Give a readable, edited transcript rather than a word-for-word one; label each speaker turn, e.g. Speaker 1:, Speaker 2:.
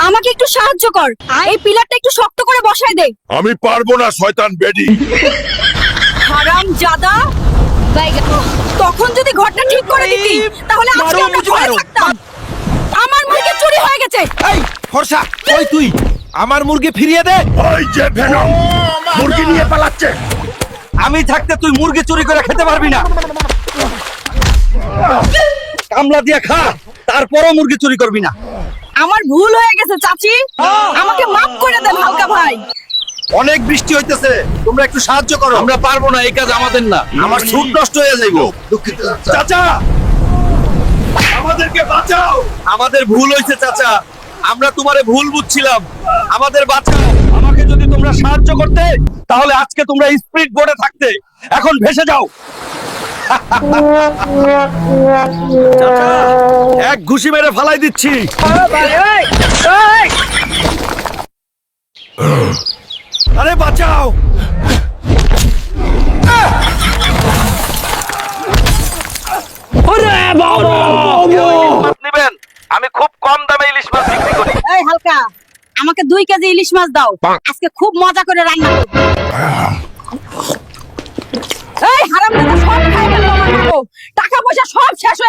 Speaker 1: আমাকে একটু সাহায্য কর, এই পিলারটা একটু শক্ত করে বসায় দে।
Speaker 2: আমি পারবো না শয়তান বেডি।
Speaker 1: হারাম জাদা, তখন যদি ঘরটা ঠিক করে দিতি তাহলে আজকে আমরা ঘরে থাকতাম। আমার মুরগি চুরি হয়ে গেছে।
Speaker 3: এই ফর্সা, কই তুই? আমার মুরগি ফিরিয়ে দে।
Speaker 2: ওই যে ভেনম মুরগি নিয়ে পালাচ্ছে।
Speaker 3: আমি থাকতে তুই মুরগি চুরি করে খেতে পারবি না। কামলা দিয়ে খা, তারপরও মুরগি চুরি করবি না।
Speaker 1: আমার ভুল হয়ে গেছে চাচি, আমাকে মাফ করে দেন হালকা ভাই।
Speaker 3: অনেক বৃষ্টি হইতেছে, তোমরা একটু সাহায্য করো। আমরা পারবো না, এই কাজ আমাদের না। আমার স্যুট নষ্ট হয়ে যাইবো। দুঃখিত চাচা,
Speaker 2: আমাদেরকে বাঁচাও।
Speaker 3: আমাদের ভুল হয়েছে চাচা, আমরা তোমারে ভুল বুঝছিলাম। আমাদের বাঁচাও। আমাকে যদি তোমরা সাহায্য করতে তাহলে আজকে তোমরা স্পিড বোটে থাকতে, এখন ভেসে যাও। চাচা, এক ঘুষি মেরে ফালাই দিচ্ছি। আরে বাঁচাও। নেবেন? আমি খুব কম দামে ইলিশ মাছ বিক্রি করি।
Speaker 1: এই হালকা, আমাকে 2 কেজি ইলিশ মাছ দাও, আজকে খুব মজা করে রান্না করব। এই হারামজাদা সব খাই গেল আমার টাকা পয়সা সব শেষ হয়ে